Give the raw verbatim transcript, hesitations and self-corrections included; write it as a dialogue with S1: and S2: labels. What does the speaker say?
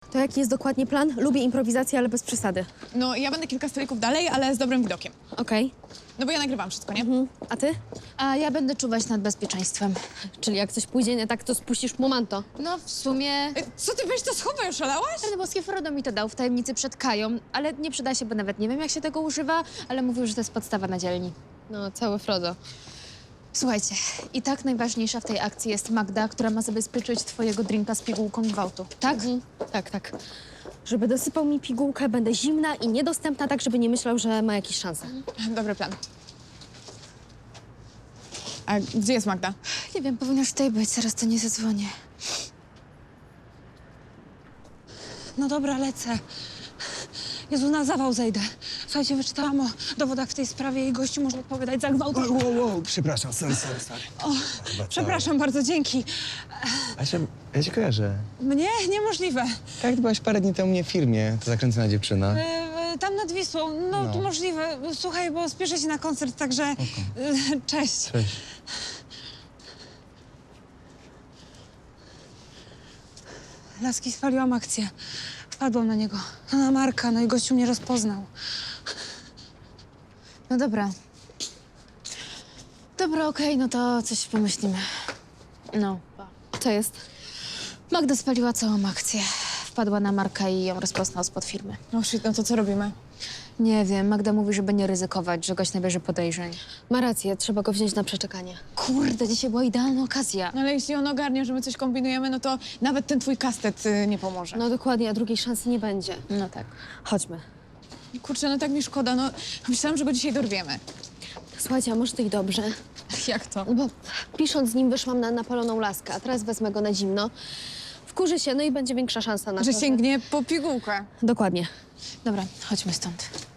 S1: To jaki jest dokładnie plan? Lubię improwizację, ale bez przesady.
S2: No, ja będę kilka stolików dalej, ale z dobrym widokiem.
S1: Okej.
S2: No bo ja nagrywam wszystko, nie?
S1: Mhm. A ty?
S3: A ja będę czuwać nad bezpieczeństwem.
S1: Czyli jak coś pójdzie nie tak, to spuścisz momento.
S3: No w sumie...
S2: E, Co ty, weź to schowaj, oszalałaś?
S3: Rany boskie, Frodo mi to dał w tajemnicy przed Kają, ale nie przyda się, bo nawet nie wiem, jak się tego używa, ale mówił, że to jest podstawa na dzielni.
S1: No, cały Frodo.
S3: Słuchajcie, i tak najważniejsza w tej akcji jest Magda, która ma zabezpieczyć twojego drinka z pigułką gwałtu, tak?
S1: Mhm. Tak, tak. Żeby dosypał mi pigułkę, będę zimna i niedostępna, tak żeby nie myślał, że ma jakieś szanse.
S2: Dobry plan. A gdzie jest Magda?
S3: Nie wiem, powinnaś tutaj być, zaraz to nie zadzwonię.
S4: No dobra, lecę. Jezu, na zawał zejdę. Słuchajcie, wyczytałam o dowodach w tej sprawie i gościu może odpowiadać za gwałt.
S5: Wow, wow, wow, przepraszam, sorry, sorry, sorry.
S4: O, przepraszam bardzo, dzięki.
S5: Asia, ja cię kojarzę.
S4: Mnie? Niemożliwe.
S5: Tak, ty byłaś parę dni temu u mnie w firmie, to zakręcona dziewczyna.
S4: E, e, tam nad Wisłą, no,
S5: No.
S4: to możliwe. Słuchaj, bo spieszę się na koncert, także e, cześć.
S5: Cześć.
S4: Laski, spaliłam akcję. Wpadłam na niego, na Marka, no i gościu mnie rozpoznał.
S3: No dobra. Dobra, okej, no to coś pomyślimy. No.
S1: Co jest?
S3: Magda spaliła całą akcję. Wpadła na Marka i ją rozpoznał spod firmy.
S2: No shit, no to co robimy?
S3: Nie wiem, Magda mówi, żeby nie ryzykować, że gość nabierze podejrzeń.
S1: Ma rację, trzeba go wziąć na przeczekanie.
S3: Kurde, dzisiaj była idealna okazja.
S2: No ale jeśli on ogarnie, że my coś kombinujemy, no to nawet ten twój kastet y, nie pomoże.
S1: No dokładnie, a drugiej szansy nie będzie.
S3: No tak.
S1: Chodźmy.
S2: Kurczę, no tak mi szkoda, no myślałam, że go dzisiaj dorwiemy.
S1: Słuchajcie, a może to i dobrze?
S2: Jak to?
S1: Bo pisząc z nim wyszłam na napaloną laskę, a teraz wezmę go na zimno. Wkurzy się, no i będzie większa szansa na
S2: Że
S1: to,
S2: sięgnie po pigułkę.
S1: Dokładnie.
S3: Dobra, chodźmy stąd.